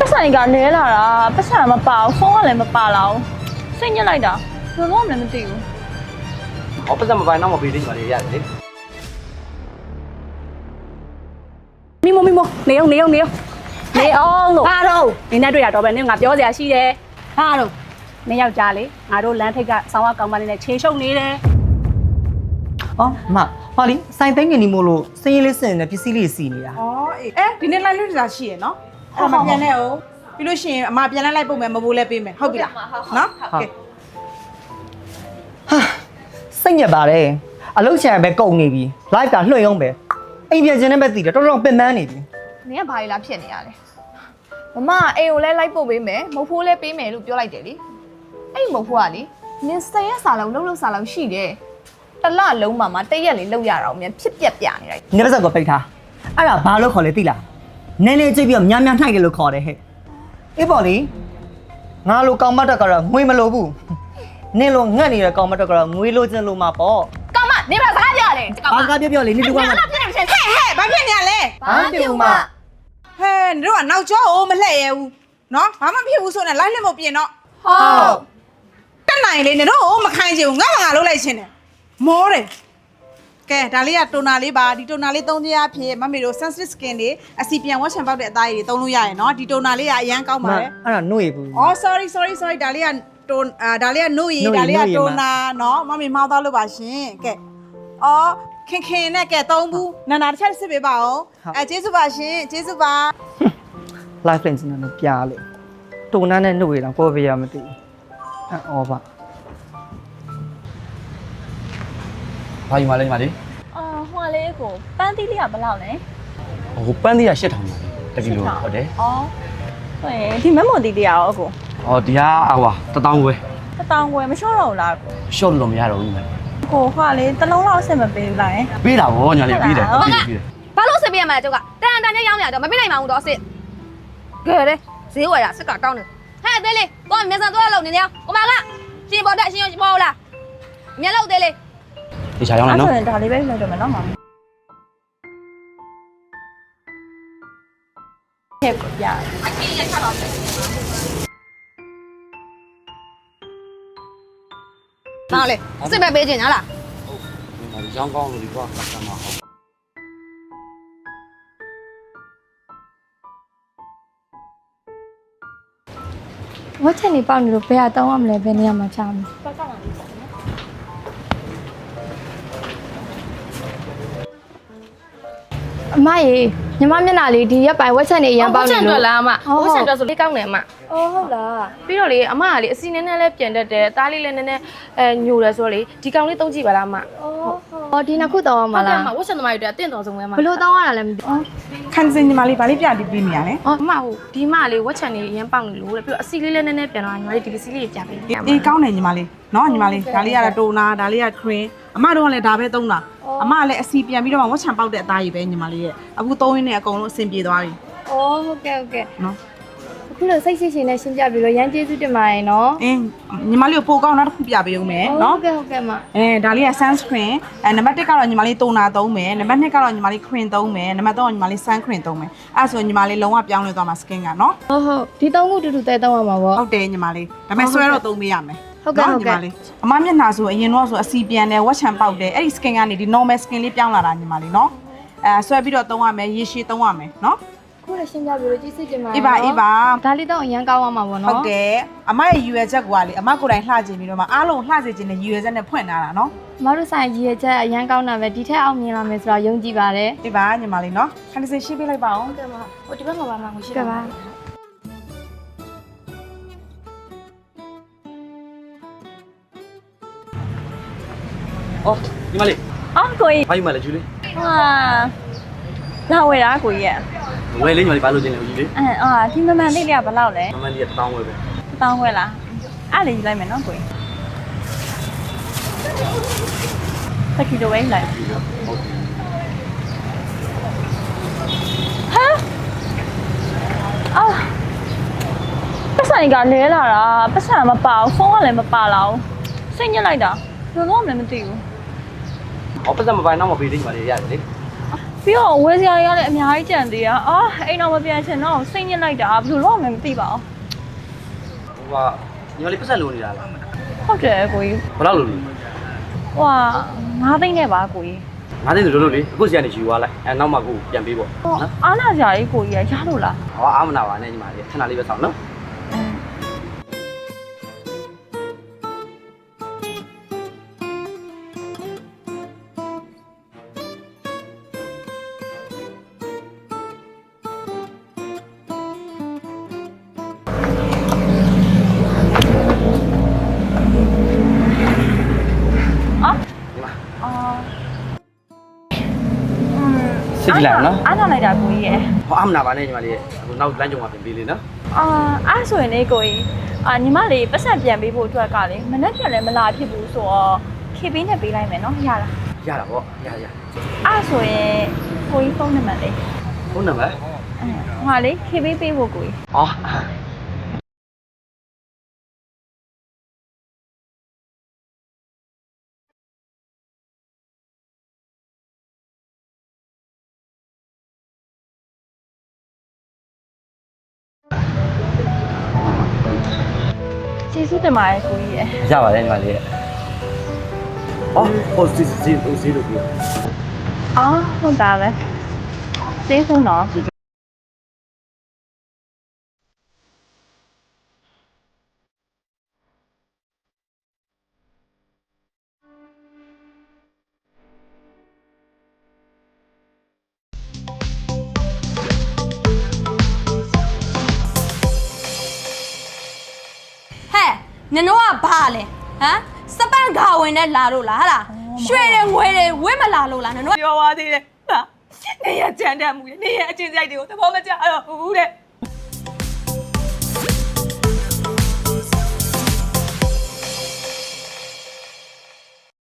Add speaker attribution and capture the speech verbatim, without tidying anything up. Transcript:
Speaker 1: ပတ်စံကလဲလာတာပတ်စံမပါဘူးဖုန်းကလည်းမပါလာဘူးစိတ်ညစ်လိုက်တာဘယ်လိုမှမသိဘူး
Speaker 2: ဟောပတ်စံမပိုင်တော့မပေးသေးချင်ပါလေရတယ်လေ
Speaker 3: မိမမိမနေအောင်နေအောင်နေအောင်
Speaker 1: နေအောင်လို့
Speaker 3: ဘာတော့နေနဲ့တွေ့ရတော့ပဲနင်ငါပြောစရာရှိတယ်ဘာတော့နင်ယောက်ျားလေငါတို့လမ်းထိပ်ကဆောင်းဝကောင်မလေးနဲ့ခြေရှုပ်နေတယ်
Speaker 4: ။အော်မဟောလီစိုင်သိန်းငင်နေမို့လို့စင်းရင်းလေးစင်နေပစ္စည်းလေးစီနေတာ
Speaker 5: อ๋อအဲဒီနေ့လိုက်လို့ဒါရှိရယ်နော်အဲ့ဒါမပြန်နဲ့အောင်ပြီးလို့ရှိရင်အမပြန်လိုက်လိုက်ပို့မယ်မဘိုးလဲပေးမယ်ဟုတ်ပြီလားနော်ကဲ
Speaker 4: ။ဟာစိတ်ညစ်ပါတယ်။အလုတ်ချံပဲကုန်နေပြီ။ live ကလွှင့်အောင်ပဲ။အိမ်ပြန်ခြင်းနဲ့ပဲတည်တယ်တော်တော်ပင်ပန်းနေပြီ
Speaker 1: နင်ကဘာလဲလားဖြစ်နေရလဲမမအိမ်ကိုလည်းလိုက်ပို့ပေးမယ်မဟုတ်ဖိုးလည်းပေးမယ်လို့ပြောလိုက်တယ်လေအဲ့မဟုတ်ဖိုးကလေနင်ဆယ်ရက်စာလုံးလုံးလုံးစာလုံးရှိတယ်တလလုံးမှာမတရက်လေးလောက်ရတာအောင်မြန်ဖြစ်ပြက်ပြနေလိုက်
Speaker 4: ။နေပါစကောပိတ်ထား။အဲ့ဒါဘာလို့ခေါ်လဲသိလား။နည်းနည်းကြည့်ပြီးတော့များများထိုက်တယ်လို့ခေါ်တယ်ဟဲ့။အေးပေါ့လေ။ငါလိုကောင်မတက်ကတော့ငွေမလိုဘူး။နင်လိုငတ်နေတဲ့ကောင်မတက်ကတော့ငွေလိုချင်လို့မှာပေါ့
Speaker 1: ကောင်မနေပါစကားပြောရတယ်
Speaker 4: ။ဘာကပြောပြောလေနေတူက
Speaker 1: အဲ့ဒါဖြစ်နေမရှင်ဟဲ့
Speaker 5: ဟဲ့ဘာဖြစ်နေရလဲ
Speaker 4: ဘာပြုံမ
Speaker 5: ဟဲ့တို့ကနောက်ကျောအိုးမလှည့်ရဘူးနော်ဘာမှဖြစ်ဘူးဆိုနေလိုက်လက်မပြင်တော့
Speaker 1: ဟုတ်
Speaker 5: တက်နိုင်လေနေတို့အိုးမခိုင်းချင်ဘူးငါ့ငါလုံးလိုက်ချင်းတယ်မောတယ်ကဲဒါလေးကတိုနာလေးပါဒီတိုနာလေးသုံးခြင်းအဖြစ်မမေတို့ sensitive skin တွေအစီပြန်ဝတ်ချံပေါက်တဲ့အသားရည်တွေသုံးလို့ရရယ်နော်ဒီတိုနာလေးကအရန်ကောင်းပါလေ
Speaker 4: အဲ့ဒါနှုတ်ရဘူး
Speaker 5: อ๋อ sorry sorry sorry ဒါလေးကတိုအာဒါလေးကနှုတ်ရည်ဒါလေးကတိုနာနော်မမေမောင်းသွားလို့ပါရှင်ကဲအော်ခင်ခင်နဲ့ကဲသုံးဘူးနာနာတစ်ချက်စစ်ပေးပါအောင်အဲကျေးဇူးပါရှင်ကျေးဇူးပါ
Speaker 4: live lens နဲ့လည်းပြားလေတုံနှန်းနဲ့နှုတ်ရတာကိုယ်ပဲရမသိဘူးအော်ပါ
Speaker 2: ဘာယူမလဲညီမလေး
Speaker 1: အာဟိုလေးကိုပန်းသီးလေးကဘယ်လောက်လဲ
Speaker 2: ဟိုပန်းသေးရ၈ထောင်ပါတကီလိုဟုတ်တယ်
Speaker 1: ဩဟုတ်ရင်ဒီမက်မိုတီလေးရောအကို
Speaker 2: ဟောဒီဟာအဝါတထောင်ခွဲ
Speaker 1: တစ်တောင်ခွဲမလျှော့တော့ဘူးလားကို
Speaker 2: ရှော့လို့မရတော့ဘူးညီမလေး
Speaker 1: ကိုဟွာလေးတစ်လုံးလောက်အဆင်မပေးဘူးလားယင်
Speaker 2: ပေးတာဗောညီမလေးပေးတယ်ပေးတယ်ပေးတယ်
Speaker 6: ဘာလို့စစ်ပြရမှာလဲကျုပ်ကတန်တန်နဲ့ရောင်းနေတော့မပြနိုင်ပါဘူးတော့စစ်ကဲလေဈေးဝယ်တာစစ်ကတောင်းနေဟဲ့အသေးလေးတော့မျက်စံသွားလောက်နေနေအောင်ဟိုမှာကရှင်ပေါ်တက်ရှင်ရောပေါ်လားမျက်လုံးသေးလေး
Speaker 2: ဒီချာရောင်းလိုက်နော်
Speaker 1: အဲ့ဒါဒါလေးပဲလိုက်တော့မယ်နော်မောင်ဟဲ့ပြ
Speaker 6: ဘာလဲစစ်ပဲပေးချင်လား
Speaker 2: ဟုတ်ဒီရောင်းကောင်းလို့ဒီကွာကတ်မှာဟုတ်
Speaker 7: ဝတ်ချက်နေပေါက်နေလို့ဘယ်ဟာတောင်းရမလဲဘယ်နေရာမှာချမလဲအမရေညီမမျက်နှာလေးဒီရက်ပိုင်းဝက်ချက်နေအရင်ပေါက်နေလို့
Speaker 3: ဝတ်ချက်အတွက်လားအမဝတ်ချက်အတွက်ဆိုလေးကောင်းတယ်အမ
Speaker 7: အော်ဟုတ်လား
Speaker 3: ပြီးတော့လေအမကလေအစီနည်းနည်းလေးပြန်တတ်တယ်အသားလေးလည်းနည်းနည်းအဲညိုတယ်ဆိုတော့လေဒီကောင်လေးသုံးကြည့်ပါလားအမ
Speaker 7: အော်ဟုတ်ဒီနှစ်ခုတောင်းရမှာလား
Speaker 3: အမဝတ်ချက်သမားတွေအတွက်အတင့်တော်ဆုံးပဲအမ
Speaker 7: ဘလို့တောင်းရတာလဲမသိဘူး
Speaker 5: ခန်းစင်ညီမလေးဗာလေးပြပြီးပြီးနေရလဲ
Speaker 3: အော်အမဟိုဒီမလေးဝတ်ချက်နေအရင်ပေါက်နေလို့တဲ့ပြီးတော့အစီလေးလည်းနည်းနည်းပြန်တော့ညီမလေးဒီပစီလေးပြပေး
Speaker 5: အေးကောင်းတယ်ညီမလေးနော်ညီမလေးဒါလေးကတော့တိုနာဒါလေးက cream အမတို့ကလည်းဒါပဲသုံးတာအမကလည်းအစီပြန်ပြီးတော့ဝတ်ချံပေါက်တဲ့အသားရည်ပဲညီမလေးရဲ့အခုသုံးရင်းနဲ့အကုန်လုံးအဆင်ပြေသွားပြီ
Speaker 7: အော်ဟုတ်ကဲ့ဟုတ်ကဲ့
Speaker 5: နော်
Speaker 7: အခုလို့စိတ်ရှိရှိနဲ့ရှင်းပြပြီးတော့ရန်ကျေးဇူးတင်ပါတယ်နော်
Speaker 5: အင်းညီမလေးကိုပိုကောင်းနောက်တစ်ခုပြပေးဦးမယ်
Speaker 7: ဟုတ်
Speaker 5: နော်
Speaker 7: ကဲ့ဟုတ်ကဲ့မ
Speaker 5: အဲဒါလေးက sunscreen အဲနံပါတ်တစ်ကတော့ညီမလေးတိုနာသုံးမယ်နံပါတ်နှစ်ကတော့ညီမလေး cream သုံးမယ်နံပါတ်သုံးကညီမလေး sun cream သုံးမယ်အဲဆိုညီမလေးလုံးဝပြောင်းလဲသွားမှာ skin ကနော်
Speaker 7: ဟုတ်ဟုတ်ဒီသုံးခုတူတူတဲတောင်းရမှာပေါ့
Speaker 5: ဟုတ်တယ်ညီမလေးဒါပေမဲ့ဆွဲတော့သုံးပေးရမယ်
Speaker 7: ဟုတ်ကဲ့ဟုတ်ကဲ့
Speaker 5: ညီမလေးအမမျက်နှာဆိုအရင်တော့ဆိုအစီပြန်တယ်ဝက်ချံပေါက်တယ်အဲ့ဒီ skin ကနေဒီ normal skin လေးပြောင်းလာတာညီမလေးနော်အဲဆွဲပြီးတော့သုံးရမယ်ရေရှည်သုံးရမယ်နော်
Speaker 7: ခုလည်းရှင်းပြပြီးတော့ကျေးဇူးတင်ပါတယ်
Speaker 5: အေးပါအေးပါ
Speaker 7: ဒါလေးတော့အရန်ကောင်းအောင်ပါဗောနော်
Speaker 5: ဟုတ်တယ်အမရဲ့ U L ချက်ကလေအမကိုယ်တိုင်လှကျင်ပြီးတော့မှအားလုံးလှစေခြင်းနဲ့ U L ချက်နဲ့ဖွင့်လာတာနော်
Speaker 7: မတို့ဆိုင်ကြီးရဲ့ချက်အရန်ကောင်းတာပဲဒီထက်အောင်မြင်လာမယ်ဆိုတော့ယုံကြည်ပါတယ်
Speaker 5: အေးပါညီမလေးနော်ခဏစီရှင်းပေးလိုက်ပါအောင်
Speaker 3: ကဲမဟိုဒီဘက်မှာပါမှာကိုရှိ
Speaker 7: ကဲပါ
Speaker 2: အော်ညီမလေး
Speaker 1: အော်ကိုကြီး
Speaker 2: ဘာယူမလဲဂျူလေး
Speaker 1: ဟာလာဝယ်တာကိုကြီးရဲ့
Speaker 2: ဝယ်လေးညီမလေးဘာလို့ကျင်လဲဂျူလေး
Speaker 1: အဲအာဒီမမှန်လေးလေးကဘယ်လောက်လဲ
Speaker 2: မမလေးကတထောင်ခွဲပဲ
Speaker 1: တစ်တောင်းခွဲလားအဲ့လေးယူလိုက်မယ်နော်ကိုကြီးတကီလိုပဲလိုက်
Speaker 2: ဟုတ်တယ်
Speaker 1: အာပတ်စံကလဲလာတာပတ်စံမပါဘူးဖုန်းကလည်းမပါလာဘူးစိတ်ညစ်လိုက်တာဘယ်လိုမှမသိဘူး
Speaker 2: ဟောပတ်စံမပိုင်တော့မပေးသေးချင်ပါလေရတယ်လေ
Speaker 1: ဟ
Speaker 7: ပြီးတော့ဝယ်စရာတွေကလည်းအများကြီးကြံသေးတာအာအိမ်တော့မပြန်ချင်တော့စိတ်ညစ်လိုက်တာဘယ်လိုလုပ်မှမသိပါဘူး
Speaker 2: ဟိုကညီမလေးပတ်ဆက်လိုနေတာလား
Speaker 7: ဟုတ်တယ်ကိုကြီး
Speaker 2: ဘယ်လောက်လိုလဲ
Speaker 7: ဟိုကငါးသိန်းနဲ့ပါကိုကြီး
Speaker 2: ငါးသိန်းဆိုလို့လို့လေအခုစီကနေယူသွားလိုက်အဲနောက်မှကိုပြန်ပေးပေါ့
Speaker 7: ဟောအားနာကြရေးကိုကြီးရရလို့လား
Speaker 2: ဟောအားမနာပါနဲ့ညီမလေးခဏလေးပဲဆောင်နော်
Speaker 7: အာ
Speaker 2: ညီမ
Speaker 7: အာ
Speaker 2: စိတ်ကြည့်လိုက်နော်
Speaker 7: အားနာလိုက်တာကိုကြီးရ
Speaker 2: ဟောအားမနာပါနဲ့ညီမလေးအခုနောက်လမ်းကြုံမှာပြန်ပေးလေနော်
Speaker 7: အာအဲ့ဆိုရင်လေကိုကြီးအာညီမလေးပတ်စံပြန်ပေးဖို့အတွက်ကလေမနေ့ကလည်းမလာဖြစ်ဘူးဆိုတော့ခေပေးနဲ့ပေးလိုက်မယ်နော်ရလား
Speaker 2: ရတာပေါ့ရရ
Speaker 7: အဲ့ဆိုရင်ကိုကြီးဖုန်းနံပါတ်လေး
Speaker 2: ဖုန်းနံပါတ်
Speaker 7: အဲဟိုလေခေပေးပေးဖို့ကိုကြီး
Speaker 2: ဟော
Speaker 7: ကျေးဇူးတင်ပါတယ်ကိုကြီးရ
Speaker 2: ရပါတယ်ညီမလေးဟောဟိုစီစီဟိုစီလို့ပြော
Speaker 7: အော်ဟုတ်တာပဲကျေးဇူးနော်
Speaker 6: ဟဲ့နင်တို့ကဘာလဲဟမ်စပန့်ခါဝင်နဲ့လာလို့လားဟာလားရွှေတွေငွေတွေဝင့်မလာလို့လားနင်တို့
Speaker 5: ပြောပါသေးတယ်ဟာနေရကြမ်းတမ်းမှုလေနေရအချင်းစိုက်တွေကိုသဘောမကျတော့ဘူးတဲ့